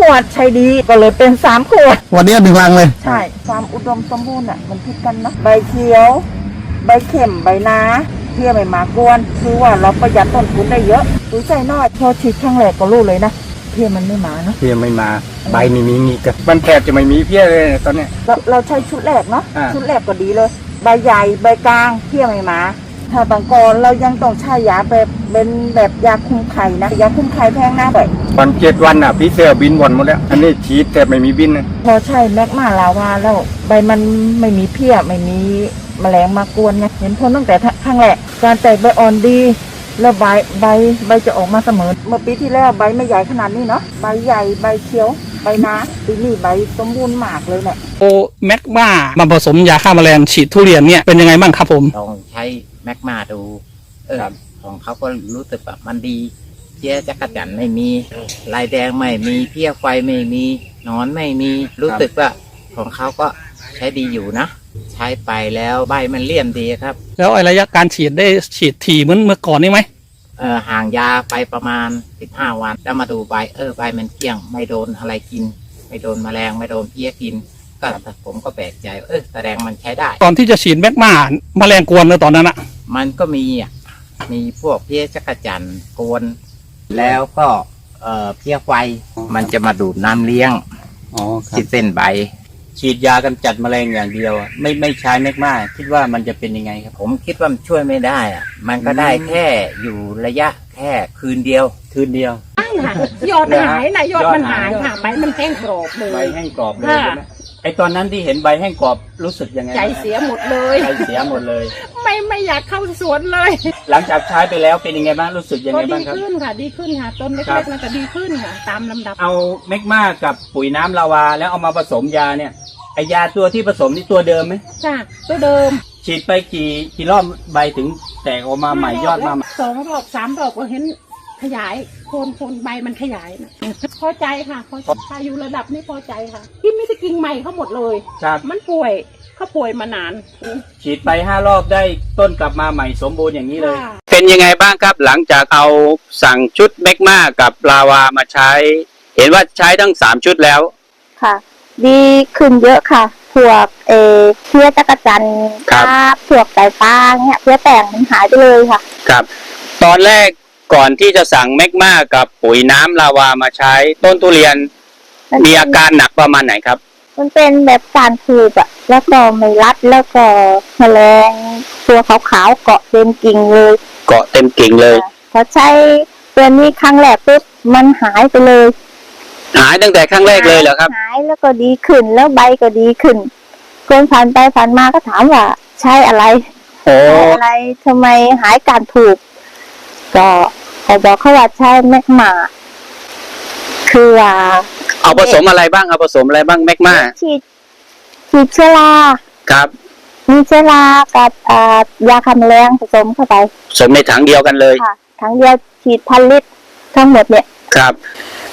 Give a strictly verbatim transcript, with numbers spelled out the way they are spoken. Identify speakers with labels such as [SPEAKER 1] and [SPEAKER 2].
[SPEAKER 1] วดใช้ดีก็เลยเป็นสามขวด
[SPEAKER 2] วันนี้หนึ่งลังเลย
[SPEAKER 1] ใช่ความอุดมสมบูรณ์อ่ะมันพิดกันเนาะใบเขียว ใบเข็มใบนาเพี้ยไม่มากวนคือว่าเราประหยัดต้นทุนได้เยอะปุ๋ยใส่น้อยพอฉีดครั้งแรกก็รู้เลยนะเพี้ยมันไม่มาเนาะ
[SPEAKER 3] เพี้ยไม่มาใบไม่มีมีกันมันแทบจะไม่มีเพี้ยเลยตอนเนี้ย
[SPEAKER 1] เราเราใช้ชุดแรกเนาะชุดแรกก็ดีเลยใบใหญ่ใบกลางเพี้ยไม่มาถ้าบางกรเรายังต้องใช้ยาแบบเป็นแบบยาคุมไข่นะยาคุมไข่แพงนะบ่อย
[SPEAKER 3] วันเจ็ดวันอ่ะพี่เสือบินวนหมดแล้วอันนี้ฉีดแต่ไม่มีบินนะ
[SPEAKER 1] พอใช่แมกมาลาวาแล้วใบมันไม่มีเพี้ยไม่มีแมลงมากวนไงเห็นผลตั้งแต่ครั้งแรกการแตกใบอ่อนดีแล้วใบใบใบจะออกมาเสมอเมื่อปีที่แล้วใบไม่ใหญ่ขนาดนี้เนาะใบใหญ่ใบเขียวใบนาปีนี้ใบสมบูรณ์มากเลยแหละ
[SPEAKER 4] โอแมกมามาผสมยาฆ่าแมลงฉีดทุเรียนเนี่ยเป็นยังไงบ้างครับผม
[SPEAKER 5] ลองใช้แมกมาดูเออของเขาก็รู้สึกแบบมันดีเพี้ยจักรจั่นไม่มีลายแดงไม่มีเพี้ยไฟไม่มีนอนไม่มีรู้สึกว่าของเขาก็ใช้ดีอยู่นะใช้ไปแล้วใบมันเลี่ยมดีครับ
[SPEAKER 4] แล้วระยะการฉีดได้ฉีดถี่เหมือนเมื่อก่อนนี่ไหม
[SPEAKER 5] เออห่างยาไปประมาณสิบห้าวันแล้วมาดูใบเออใบมันเกลี้ยงไม่โดนอะไรกินไม่โดนแมลงไม่โดนเพี้ยกินก็ผมก็แปลกใจเออแสดงมันใช้ได้
[SPEAKER 4] ตอนที่จะฉีดแมกมาแมลงกวนเลยตอนนั้นอะ
[SPEAKER 5] มันก็มีอ่ะมีพวกเพี้ยจักรจั่นกวนแล้วก็เอ่อเพี้ยไฟมันจะมาดูดน้ำเลี้ยง
[SPEAKER 3] อ๋อ
[SPEAKER 5] ที่เส้นใบ
[SPEAKER 3] ฉีดยากำจัดแมลงอย่างเดียวไม่ไม่ใช้แมกมาคิดว่ามันจะเป็นยังไงครับ
[SPEAKER 5] ผมคิดว่ามันช่วยไม่ได้อ่ะมันก็ได้แค่อยู่ระยะแค่คืนเดียว
[SPEAKER 3] คืนเดียว
[SPEAKER 6] ใช่ค่ะยอดหายนะยอดมันหายค่ะใบมันแห้งกรอบเลย
[SPEAKER 3] ใบแห้งกรอบเลยใช่ไหมไอตอนนั้นที่เห็นใบแห้งกรอบรู้สึกยังไง
[SPEAKER 6] ใจเสียหมดเลย
[SPEAKER 3] ใจเสียหมดเลย
[SPEAKER 6] ไม่ไม่อยากเข้าสวนเลย
[SPEAKER 3] หลังจากใช้ไปแล้วเป็นยังไงบ้างรู้สึกยังไงบ้างครับ
[SPEAKER 6] ดีขึ้นค่ะดีขึ้นค่ะต้นเล็กๆนั่นก็ดีขึ้นค่ะตามลำดับ
[SPEAKER 3] เอาแมกมากับปุ๋ยน้ำลาวาแล้วเอามาผสมยาเนี่ยไอยาตัวที่ผสมนี่ตัวเดิมไหม
[SPEAKER 6] จ้ะตัวเดิม
[SPEAKER 3] ฉีดไปกี่กี่รอบใบถึงแตกออกมาใหม่ยอดมา
[SPEAKER 6] สองรอบสามรอบก็เห็นขยายโคนโคนใบมันขยายนะพอใจค่ะพอใจอยู่ระดับนี้พอใจค่ะที่ไม่ได้กิ่งใหม่เขาหมดเลย
[SPEAKER 3] ครับ
[SPEAKER 6] มันป่วยเขาป่วยมานาน
[SPEAKER 3] ฉีดไปห้ารอบได้ต้นกลับมาใหม่สมบูรณ์อย่างนี้เลย
[SPEAKER 4] เป็นยังไงบ้างครับหลังจากเอาสั่งชุดแมกมากับลาวามาใช้เห็นว่าใช้ทั้งสามชุดแล้ว
[SPEAKER 7] ค่ะดีขึ้นเยอะค่ะพวกเอเพี้ยจักรจั่นครับพวกไก่ฟ้าเนี่ยเพี้ยแป้งมันหายไปเลยค่ะ
[SPEAKER 4] ครับตอนแรกก่อนที่จะสั่งแมกมากับปุ๋ยน้ำลาวามาใช้ต้นทุเรียนมีอาการหนักประมาณไหนครับ
[SPEAKER 7] มันเป็นแบบการผูกอะแล้วก็ไม่รัดแล้วก็แมลงตัวขาวๆเกาะเต็มกิ่งเลย
[SPEAKER 4] เกาะเต็มกิ่งเลย
[SPEAKER 7] พอใช้ตัวนี้ครั้งแรกปุ๊บมันหายไปเลย
[SPEAKER 4] หายตั้งแต่ครั้งแรกเลยเหรอครับ
[SPEAKER 7] หายแล้วก็ดีขึ้นแล้วใบก็ดีขึ้นคนผ่านไปผ่านมาก็ถามว่าใช้อะไร
[SPEAKER 4] โอ้
[SPEAKER 7] อะไรทำไมหายการผูกก็เขาบอกเขาว่าใช้แมกมาคือว่า
[SPEAKER 4] เอาผสมอะไรบ้างเอาผสมอะไรบ้างแมกมา
[SPEAKER 7] ฉีดฉีดเชื้อรา
[SPEAKER 4] ครับ
[SPEAKER 7] มีเชื้อรากับยาฆ่าแมลงผสมเข้าไป
[SPEAKER 4] ผสมในถังเดียวกันเลย
[SPEAKER 7] ค่ะถังเดียวฉีดพันลิตรทั้งหมดเนี่ย
[SPEAKER 4] ครับ